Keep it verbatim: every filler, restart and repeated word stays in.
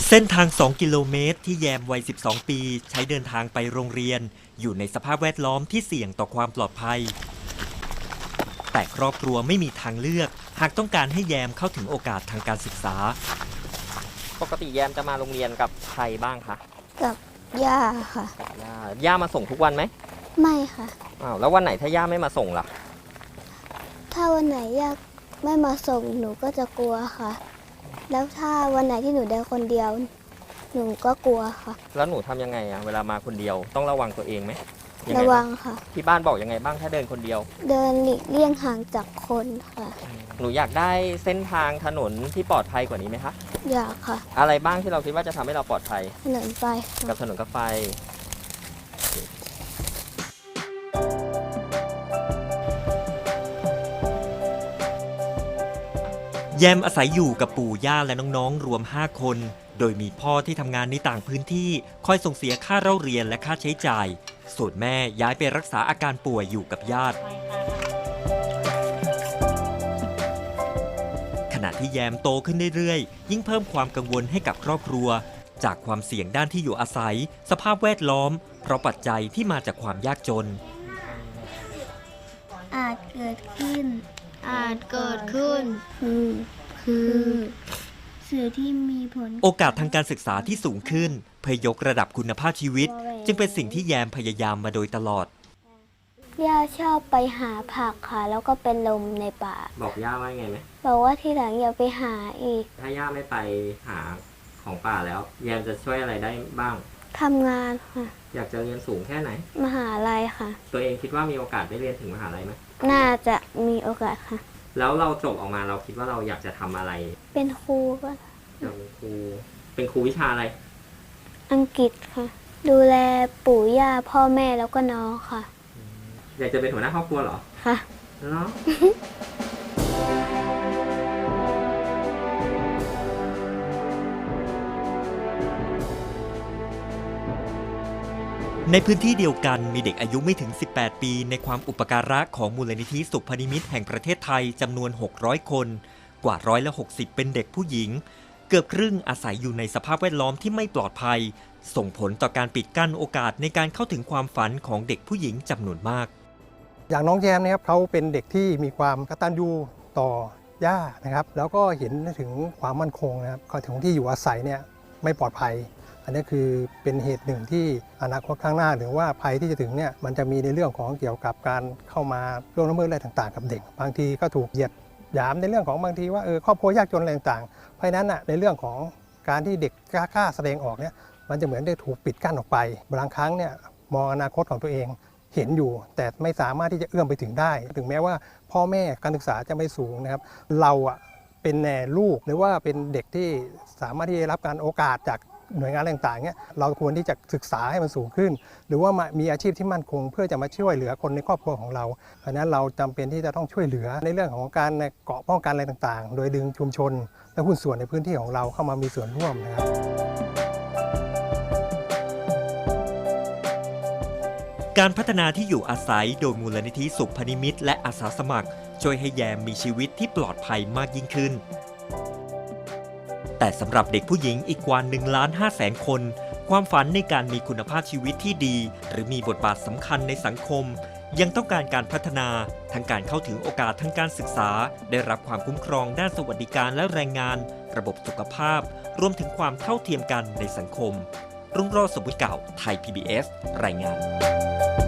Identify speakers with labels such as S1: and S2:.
S1: เส้นทาง สอง กิโลเมตรที่แยมวัย สิบสอง ปีใช้เดินทางไปโรงเรียนอยู่ในสภาพแวดล้อมที่เสี่ยงต่อความปลอดภัยแต่ครอบครัวไม่มีทางเลือกหากต้องการให้แยมเข้าถึงโอกาสทางการศึกษาปกติแยมจะมาโรงเรียนกับใครบ้างคะ
S2: กับย่าค่ะ
S1: ย่าย่ามาส่งทุกวันไหม
S2: ไม่ค่ะ
S1: อ้าวแล้ววันไหนถ้าย่าไม่มาส่งล่ะ
S2: ถ้าวันไหนย่าไม่มาส่งหนูก็จะกลัวค่ะแล้วถ้าวันไหนที่หนูเดินคนเดียวหนูก็กลัวค่ะ
S1: แล้วหนูทำยังไงอะเวลามาคนเดียวต้องระวังตัวเองไหม
S2: ระวังค่ะ
S1: ที่บ้านบอกยังไงบ้างถ้าเดินคนเดียว
S2: เดินหลีกเลี่ยงห่างจากคนค่ะ
S1: หนูอยากได้เส้นทางถนนที่ปลอดภัยกว่านี้ไหมคะ
S2: อยากค่ะ
S1: อะไรบ้างที่เราคิดว่าจะทำให้เราปลอดภัย
S2: ถนนไฟ
S1: กับถนนกับไฟแยมอาศัยอยู่กับปู่ย่าและน้องๆรวมห้าคนโดยมีพ่อที่ทำงานในต่างพื้นที่คอยส่งเสียค่าเล่าเรียนและค่าใช้จ่ายส่วนแม่ย้ายไปรักษาอาการป่วยอยู่กับญาติขณะที่แยมโตขึ้นเรื่อยๆยิ่งเพิ่มความกังวลให้กับครอบครัวจากความเสี่ยงด้านที่อยู่อาศัยสภาพแวดล้อมเพราะปัจจัยที่มาจากความยากจน
S2: อาจเกิดขึ้น
S3: อาจเกิดขึ้น
S2: คือคือสื่อที่มีผล
S1: โอกาสทางการศึกษาที่สูงขึ้นเพื่อยกระดับคุณภาพชีวิตจึงเป็นสิ่งที่แยมพยายามมาโดยตลอด
S2: ย่าชอบไปหาผักค่ะแล้วก็เป็นลมในป่า
S1: บอกย่าว่าไงไหม
S2: บอกว่าทีหลังอย่าไปหาอีก
S1: ถ้าย่าไม่ไปหาของป่าแล้วแยมจะช่วยอะไรได้บ้าง
S2: ทำงานค่ะ
S1: อยากจะเรียนสูงแค่ไหน
S2: มหาลัยค่ะ
S1: ตัวเองคิดว่ามีโอกาสได้เรียนถึงมหาลัยไหม
S2: น่าจะมีโอกาสค่ะ
S1: แล้วเราจบออกมาเราคิดว่าเราอยากจะทำอะไร
S2: เป็นครูก็
S1: เป็นครูเป็นครูวิชาอะไร
S2: อังกฤษค่ะดูแลปู่ย่าพ่อแม่แล้วก็น้องค่ะ
S1: อยากจะเป็นหัวหน้าครอบครัวเหรอ
S2: ค่ะ
S1: เนาะในพื้นที่เดียวกันมีเด็กอายุไม่ถึงสิบแปดปีในความอุปการะของมูลนิธิสุพนิมิตแห่งประเทศไทยจำนวนหกร้อยคนกว่าร้อยละหกสิบเป็นเด็กผู้หญิงเกือบครึ่งอาศัยอยู่ในสภาพแวดล้อมที่ไม่ปลอดภัยส่งผลต่อการปิดกั้นโอกาสในการเข้าถึงความฝันของเด็กผู้หญิงจำนวนมาก
S4: อย่างน้องแยมนะครับเขาเป็นเด็กที่มีความกตัญญูต่อย่านะครับแล้วก็เห็นถึงความมั่นคงนะครับก็ถึงที่อยู่อาศัยเนี่ยไม่ปลอดภัยอันนี้คือเป็นเหตุหนึ่งที่อนาคตข้างหน้าหรือว่าภัยที่จะถึงเนี่ยมันจะมีในเรื่องของเกี่ยวกับการเข้ามาล่วงละเมิดอะไรต่างๆกับเด็กบางทีก็ถูกเหยียดหยามในเรื่องของบางทีว่าเออครอบครัวยากจนอะไรต่างๆเพราะนั้นอ่ะในเรื่องของการที่เด็กกล้าแสดงออกเนี่ยมันจะเหมือนได้ถูกปิดกั้นออกไปบางครั้งเนี่ยมองอนาคตของตัวเองเห็นอยู่แต่ไม่สามารถที่จะเอื้อมไปถึงได้ถึงแม้ว่าพ่อแม่การศึกษาจะไม่สูงนะครับเราอ่ะเป็นแน่ลูกหรือว่าเป็นเด็กที่สามารถที่จะรับการโอกาสจากหน่วยงานต่างๆเนี่ยเราควรที่จะศึกษาให้มันสูงขึ้นหรือว่ามีอาชีพที่มั่นคงเพื่อจะมาช่วยเหลือคนในครอบครัวของเราเพราะนั้นเราจำเป็นที่จะต้องช่วยเหลือในเรื่องของการเกาะป้องกันอะไรต่างๆโดยดึงชุมชนและหุ้นส่วนในพื้นที่ของเราเข้ามามีส่วนร่วมนะครับ
S1: การพัฒนาที่อยู่อาศัยโดยมูลนิธิสุพนิมิตและอาสาสมัครช่วยให้แยมมีชีวิตที่ปลอดภัยมากยิ่งขึ้นแต่สำหรับเด็กผู้หญิงอีกกว่า หนึ่งล้านห้าแสน คนความฝันในการมีคุณภาพชีวิตที่ดีหรือมีบทบาทสำคัญในสังคมยังต้องการการพัฒนาทั้งการเข้าถึงโอกาสทางการศึกษาได้รับความคุ้มครองด้านสวัสดิการและแรงงานระบบสุขภาพรวมถึงความเท่าเทียมกันในสังคมรุ่งโรจน์ สมบุติเก่าไทย พี บี เอส รายงาน